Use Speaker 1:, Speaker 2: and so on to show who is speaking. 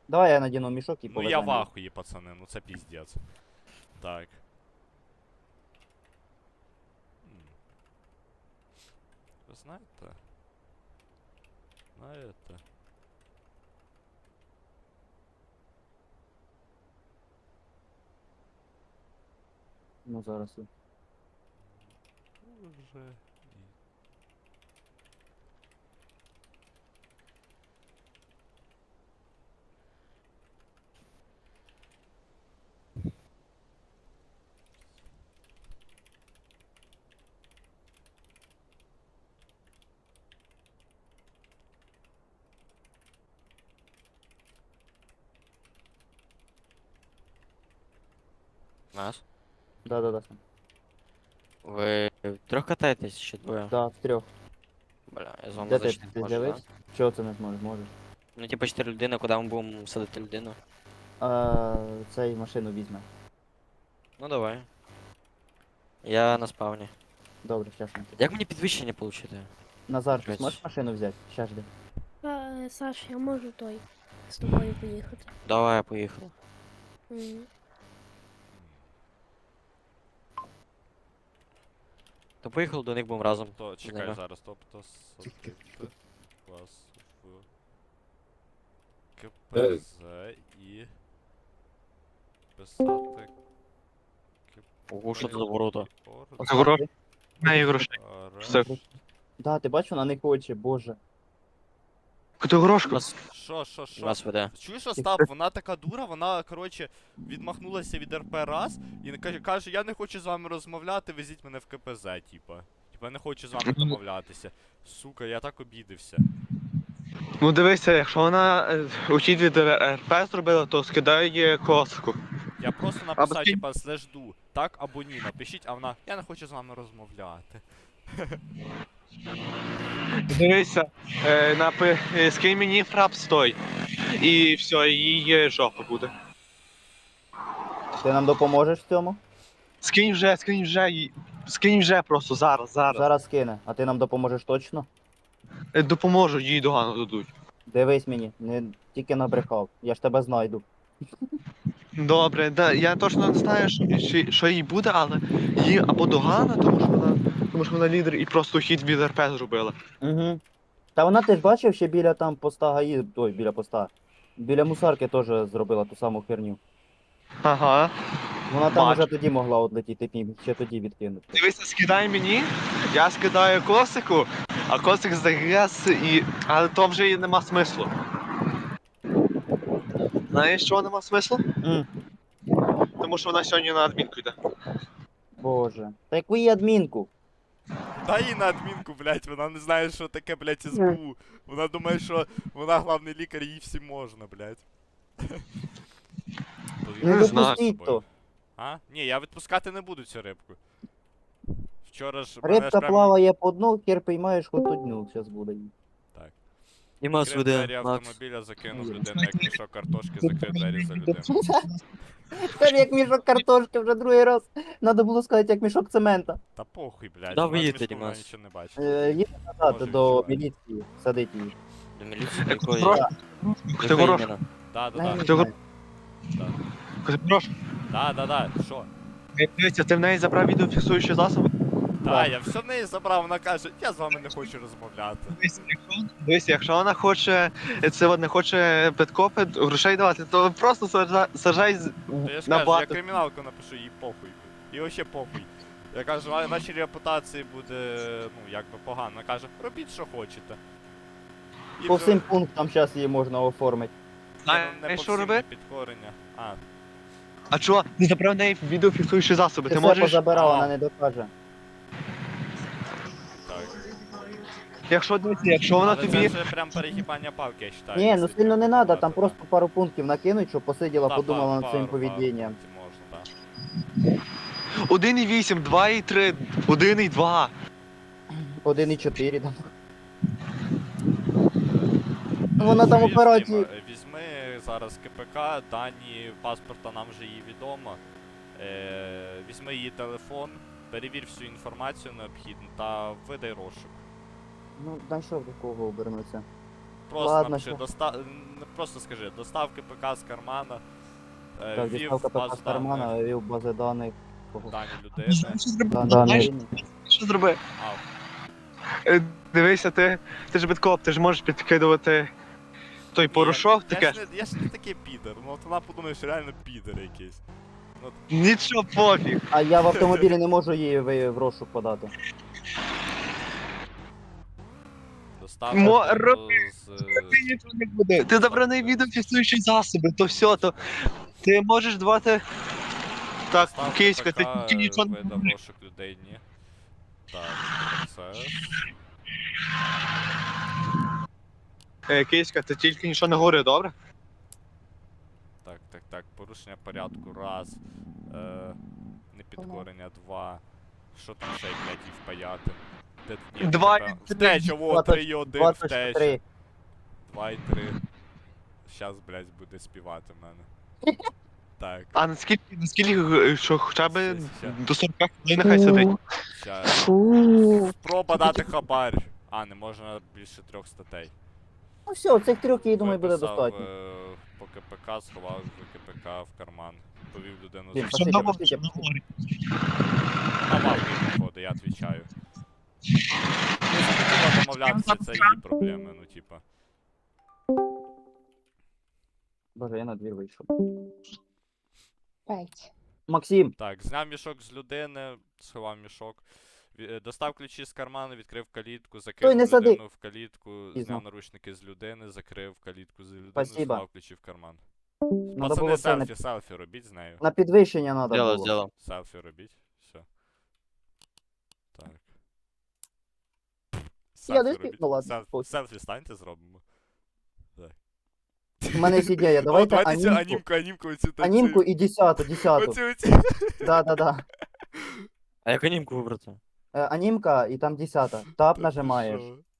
Speaker 1: Давай я надіну мішок і
Speaker 2: Ну я в
Speaker 1: повеземо.
Speaker 2: ахуї, пацани, ну це піздець. Так. Ви знаєте? Знаєте?
Speaker 1: Ну зараз.
Speaker 2: Уже і...
Speaker 3: Нас?
Speaker 1: Да.
Speaker 3: Ви втрьох катаєтесь чи двоє?
Speaker 1: Да, в трьох.
Speaker 3: Бля, я з вами
Speaker 1: Де ти
Speaker 3: зайти не можу, да?
Speaker 1: з'явився? Чого це не зможеш? Можеш.
Speaker 3: Ну типа 4 людини, куди ми будемо садити людину?
Speaker 1: Цей машину візьме.
Speaker 3: Ну давай. Я на спавні.
Speaker 1: Добре, щас ми.
Speaker 3: Як мені підвищення отримати?
Speaker 1: Назар, ти
Speaker 3: Блядь.
Speaker 1: зможеш машину взяти? Щас жди.
Speaker 4: Саш, я можу той з тобою поїхати.
Speaker 3: Давай, я поїхав.
Speaker 4: Мгм.
Speaker 3: То поїхали до них будемо разом.
Speaker 2: То,
Speaker 3: з
Speaker 2: чекай
Speaker 3: ними.
Speaker 2: зараз, тобто садити вас в КПЗ і писати
Speaker 3: Ого, що це за ворота?
Speaker 1: Оставте.
Speaker 5: грошей. Все.
Speaker 1: Да, ти бачиш, вона не хоче, боже.
Speaker 5: Котогорошку.
Speaker 3: Нас,
Speaker 2: Що?
Speaker 3: нас веде.
Speaker 2: Чуєш, Остап, вона така дура, вона, коротше, відмахнулася від РП раз і каже, я не хочу з вами розмовляти, везіть мене в КПЗ, типа. Типа, я не хочу з вами домовлятися. Сука, я так обідився.
Speaker 5: Ну дивися, якщо вона учить від РП зробила, то скидає коску.
Speaker 2: Я просто
Speaker 5: Або
Speaker 2: написав,
Speaker 5: скинь.
Speaker 2: типа, слежду, так або ні, напишіть, а вона, я не хочу з вами розмовляти.
Speaker 5: Дивися, скинь мені фрапс той. І все, її жопа буде.
Speaker 1: Ти нам допоможеш в цьому?
Speaker 5: Скинь вже просто зараз.
Speaker 1: Зараз скине. А ти нам допоможеш точно?
Speaker 5: Допоможу, їй догану дадуть.
Speaker 1: Дивись мені, не тільки набрехав. Я ж тебе знайду.
Speaker 5: Добре, да, я точно не знаю, що їй буде, але їй або догана, тому що вона лідер і просто хід від РП зробила.
Speaker 1: Угу. Та вона ти ж бачив, ще біля там поста ГАІ, ой, біля поста. Біля мусарки теж зробила ту саму херню.
Speaker 5: Ага.
Speaker 1: Вона там
Speaker 5: Бачу.
Speaker 1: уже тоді могла отлетіти, ще тоді відкинути.
Speaker 5: Дивися, скидай мені, я скидаю косику, а косик загрес і. Але то вже і нема смислу. Знаєш, чого нема смислу?
Speaker 1: М,
Speaker 5: Тому що вона сьогодні на адмінку йде.
Speaker 1: Боже. Та яку їй адмінку?
Speaker 2: Дай їй на адмінку, блядь, вона не знає, що таке, блядь, СБУ. Вона думає, що вона главний лікар, їй всім можна, блядь.
Speaker 1: Не
Speaker 5: Не знаю.
Speaker 1: допустіть то.
Speaker 2: А? Ні, я відпускати не буду цю рибку. Вчора ж
Speaker 1: Рибка
Speaker 2: прям
Speaker 1: плаває по дну, хер піймаєш хоч одну, зараз буде їй.
Speaker 3: І нас
Speaker 2: відкрив двері
Speaker 3: веде, Макс.
Speaker 2: автомобіля, закинув людину як мішок картошки, закрив двері за людину.
Speaker 1: Скажи, як мішок картошки вже другий раз. Надо було сказати, як мішок цемента.
Speaker 2: Та похуй, блядь,
Speaker 3: Да,
Speaker 2: вона з
Speaker 3: виїдьте,
Speaker 2: мішку, вона
Speaker 3: Дімас.
Speaker 2: нічого не бачить.
Speaker 1: Їде назад
Speaker 2: Може,
Speaker 1: до
Speaker 2: відчуває.
Speaker 1: міліції, садить її.
Speaker 3: До міліції до якої?
Speaker 5: Котогорошку.
Speaker 3: Якої
Speaker 5: Котогорошку.
Speaker 3: іменно?
Speaker 2: Да,
Speaker 1: Я не
Speaker 2: да,
Speaker 5: Ти
Speaker 1: знаю.
Speaker 2: да.
Speaker 5: Котогорошку.
Speaker 2: Да, що?
Speaker 5: Дивися, ти в неї забрав відеофіксуючі засоби?
Speaker 2: Да, я все в неї забрав, вона каже, я з вами не хочу розмовляти.
Speaker 5: Дивися, якщо вона хоче, не хоче підкопи, грошей давати, то просто сажай
Speaker 2: То я ж
Speaker 5: на
Speaker 2: кажу, я
Speaker 5: бату.
Speaker 2: криміналку напишу, їй похуй. І вообще похуй. Я кажу, а нашій репутації буде, ну, якби погано. Вона каже, робіть, що хочете. І
Speaker 1: По
Speaker 2: вже-
Speaker 1: всім пунктам зараз її можна оформити.
Speaker 2: Ні, ну, не
Speaker 5: Знаєш,
Speaker 2: по
Speaker 5: що
Speaker 2: всім,
Speaker 5: робити?
Speaker 2: не підкорення. А,
Speaker 5: А чого? Не забрав в неї відеофіксуючі засоби.
Speaker 1: Ти
Speaker 5: Ти
Speaker 1: все
Speaker 5: можеш,
Speaker 1: позабирав,
Speaker 2: А.
Speaker 1: вона не докаже.
Speaker 2: так.
Speaker 5: якщо вона
Speaker 2: Але
Speaker 5: тобі.
Speaker 2: це вже прям перегибання палки, я вважаю.
Speaker 1: Ні, ну
Speaker 2: якщо
Speaker 1: сильно не
Speaker 2: так
Speaker 1: треба, там
Speaker 2: багато,
Speaker 1: просто пару пунктів накинуть, щоб посиділа,
Speaker 2: да.
Speaker 1: подумала
Speaker 2: Да,
Speaker 1: над своїм
Speaker 2: пару
Speaker 1: поведінням.
Speaker 2: пунктів можна, так.
Speaker 5: 1,8, 2,3, 1,2.
Speaker 1: 1,4 там. Вона там
Speaker 2: Візьми,
Speaker 1: операції.
Speaker 2: Візьми зараз КПК, дані паспорта нам вже її відомо. Візьми її телефон, перевір всю інформацію необхідну та видай розшук.
Speaker 1: Ну, знайшов до кого обернутися.
Speaker 2: просто
Speaker 1: Ладно,
Speaker 2: напиши,
Speaker 1: що?
Speaker 2: просто скажи, доставки ПК з кармана,
Speaker 1: Так,
Speaker 2: ввів
Speaker 1: доставка
Speaker 2: базу
Speaker 1: ПК з кармана,
Speaker 2: даних,
Speaker 1: ввів бази даних.
Speaker 2: дані людини.
Speaker 5: Знаєш, що зроби?
Speaker 1: Дані.
Speaker 5: Що зроби?
Speaker 2: А,
Speaker 5: Дивися, ти ж бідкоп, ти ж можеш підкидувати той порошок, таке.
Speaker 2: Я ж не такий підер, ну от вона подумає, що реально підер якийсь.
Speaker 5: Нічого пофіг.
Speaker 1: А я в автомобілі не можу її в розшук подати.
Speaker 2: Доставка
Speaker 5: Роби.
Speaker 2: з...
Speaker 5: Ти нічого не буде. Ти забраний відеофіксуючі засоби, то все, то ти можеш давати. Так,
Speaker 2: доставка
Speaker 5: киська, ти
Speaker 2: ПК,
Speaker 5: тільки нічого не
Speaker 2: видав
Speaker 5: будеш.
Speaker 2: розшук людей, ні. Так, процес.
Speaker 5: Киська, ти тільки нічого не говори, добре?
Speaker 2: Так, порушення порядку, раз. Непідкорення, два. Що там ще, блядь, і впаяти? Ні,
Speaker 5: Два
Speaker 2: напевно,
Speaker 5: і три.
Speaker 2: втеча, во, 3 і 1,
Speaker 1: 23.
Speaker 2: втеча. 2 і 3. Щас, блядь, буде співати в мене. Так,
Speaker 5: А наскільки, що хоча б
Speaker 2: Ща.
Speaker 5: до 40 хвилин нехай сидить.
Speaker 2: щас.
Speaker 4: Фу.
Speaker 2: Спроба дати хабар. А, не можна більше 3 статей.
Speaker 1: Ну все, цих трьох, я думаю, буде
Speaker 2: Виписав,
Speaker 1: достатньо.
Speaker 2: по КПК, сховав КПК в карман. Повів людину
Speaker 1: Блін,
Speaker 2: за
Speaker 1: Пошли,
Speaker 5: Що
Speaker 1: пошли,
Speaker 5: що
Speaker 1: пошли.
Speaker 5: говорить?
Speaker 2: на мавки виходить, я відповідаю. Не захотіла домовлятися, це її проблеми, ну типа.
Speaker 1: Боже, я на двір вийшов.
Speaker 6: 5.
Speaker 1: Максим,
Speaker 2: Так, зняв мішок з людини, сховав мішок. Достав ключі з карману, відкрив калітку,
Speaker 1: Стой,
Speaker 2: закинув
Speaker 1: не сади.
Speaker 2: людину в калітку,
Speaker 1: Пізно.
Speaker 2: зняв наручники з людини, закрив калітку з людини,
Speaker 1: Спасибо.
Speaker 2: сховав ключі в карман.
Speaker 1: надо
Speaker 2: Пацани,
Speaker 1: було це
Speaker 2: селфі робіть з нею.
Speaker 1: на підвищення надо
Speaker 3: Сделал,
Speaker 1: було.
Speaker 3: сделал.
Speaker 2: Селфі робіть. Все. Так.
Speaker 1: Я не
Speaker 2: Селфі робіть.
Speaker 1: ну ладно,
Speaker 2: Селфі,
Speaker 1: похуй.
Speaker 2: селфі станьте, зробимо.
Speaker 1: У мене є ідея, давайте
Speaker 2: Давайте цю
Speaker 1: анімку.
Speaker 2: анімку оцю
Speaker 1: Анімку і 10-ту.
Speaker 2: Оцю.
Speaker 1: Да.
Speaker 3: А як анімку вибрати?
Speaker 1: Анімка і там 10-та. Тап
Speaker 2: Та ти
Speaker 1: нажимаєш.
Speaker 2: що?